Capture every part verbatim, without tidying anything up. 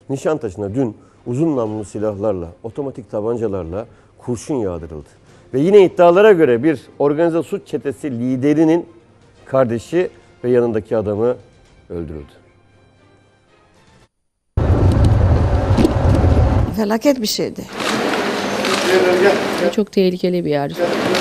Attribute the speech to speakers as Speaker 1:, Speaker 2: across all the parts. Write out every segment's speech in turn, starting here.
Speaker 1: Nişantaşı'na dün uzun namlulu silahlarla, otomatik tabancalarla kurşun yağdırıldı. Ve yine iddialara göre bir organize suç çetesi liderinin kardeşi ve yanındaki adamı öldürüldü.
Speaker 2: Felaket bir şeydi.
Speaker 3: Çok tehlikeli bir yer.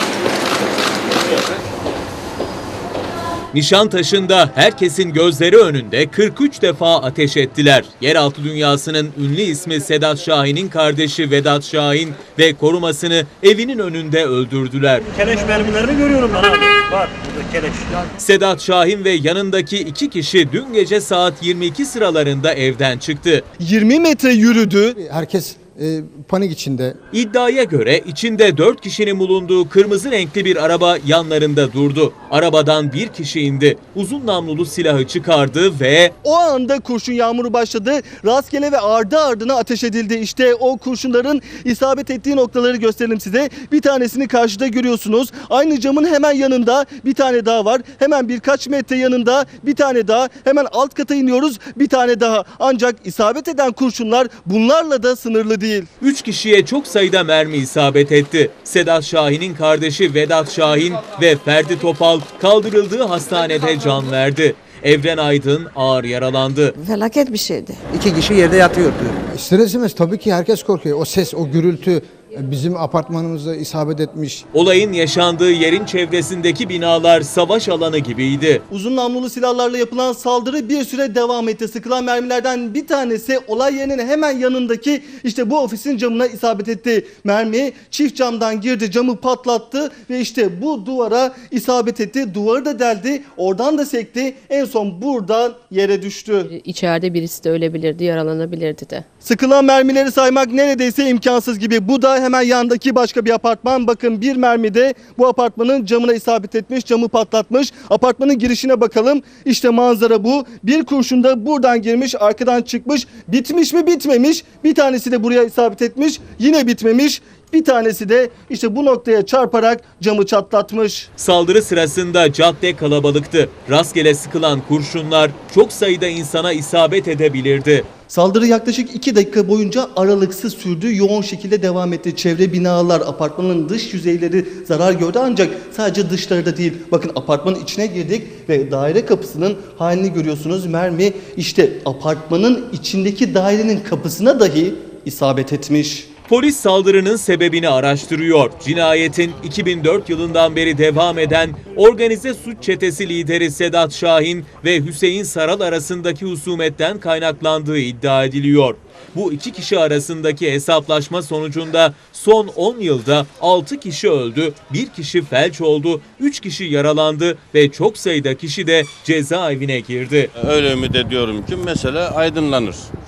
Speaker 4: Nişantaşı'nda herkesin gözleri önünde kırk üç defa ateş ettiler. Yeraltı dünyasının ünlü ismi Sedat Şahin'in kardeşi Vedat Şahin ve korumasını evinin önünde öldürdüler.
Speaker 5: Keleş mermilerini görüyorum ben abi. Var burada keleş.
Speaker 4: Sedat Şahin ve yanındaki iki kişi dün gece saat yirmi iki sıralarında evden çıktı.
Speaker 6: yirmi metre yürüdü.
Speaker 7: Herkes e, panik içinde.
Speaker 4: İddiaya göre içinde dört kişinin bulunduğu kırmızı renkli bir araba yanlarında durdu. Arabadan bir kişi indi. Uzun namlulu silahı çıkardı ve
Speaker 6: O anda kurşun yağmuru başladı. Rastgele ve ardı ardına ateş edildi. İşte o kurşunların isabet ettiği noktaları gösterelim size. Bir tanesini karşıda görüyorsunuz. Aynı camın hemen yanında bir tane daha var. Hemen birkaç metre yanında bir tane daha. Hemen alt kata iniyoruz. Bir tane daha. Ancak isabet eden kurşunlar bunlarla da sınırlı değil.
Speaker 4: üç kişiye çok sayıda mermi isabet etti. Sedat Şahin'in kardeşi Vedat Şahin ve Ferdi Topal kaldırıldığı hastanede can verdi. Evren Aydın ağır yaralandı.
Speaker 2: Felaket bir şeydi.
Speaker 8: İki kişi yerde yatıyordu.
Speaker 7: İster istemez tabii ki herkes korkuyor. O ses, o gürültü bizim apartmanımıza isabet etmiş.
Speaker 4: Olayın yaşandığı yerin çevresindeki binalar savaş alanı gibiydi.
Speaker 6: Uzun namlulu silahlarla yapılan saldırı bir süre devam etti. Sıkılan mermilerden bir tanesi olay yerinin hemen yanındaki işte bu ofisin camına isabet etti. Mermi çift camdan girdi, camı patlattı ve işte bu duvara isabet etti. Duvarı da deldi, oradan da sekti. En son buradan yere düştü.
Speaker 3: İçeride birisi de ölebilirdi, yaralanabilirdi de.
Speaker 6: Sıkılan mermileri saymak neredeyse imkansız gibi. Bu da hemen yandaki başka bir apartman. Bakın bir mermi de bu apartmanın camına isabet etmiş, camı patlatmış. Apartmanın girişine bakalım. İşte manzara bu. Bir kurşun da buradan girmiş, arkadan çıkmış. Bitmiş mi? Bitmemiş. Bir tanesi de buraya isabet etmiş. Yine bitmemiş. Bir tanesi de işte bu noktaya çarparak camı çatlatmış.
Speaker 4: Saldırı sırasında cadde kalabalıktı. Rastgele sıkılan kurşunlar çok sayıda insana isabet edebilirdi.
Speaker 6: Saldırı yaklaşık iki dakika boyunca aralıksız sürdü, yoğun şekilde devam etti. Çevre binalar, apartmanın dış yüzeyleri zarar gördü ancak sadece dışları da değil. Bakın apartmanın içine girdik ve daire kapısının halini görüyorsunuz. Mermi işte apartmanın içindeki dairenin kapısına dahi isabet etmiş.
Speaker 4: Polis saldırının sebebini araştırıyor. Cinayetin iki bin dört yılından beri devam eden organize suç çetesi lideri Sedat Şahin ve Hüseyin Saral arasındaki husumetten kaynaklandığı iddia ediliyor. Bu iki kişi arasındaki hesaplaşma sonucunda son on yılda altı kişi öldü, bir kişi felç oldu, üç kişi yaralandı ve çok sayıda kişi de cezaevine girdi.
Speaker 9: Öyle ümit ediyorum ki mesele aydınlanır.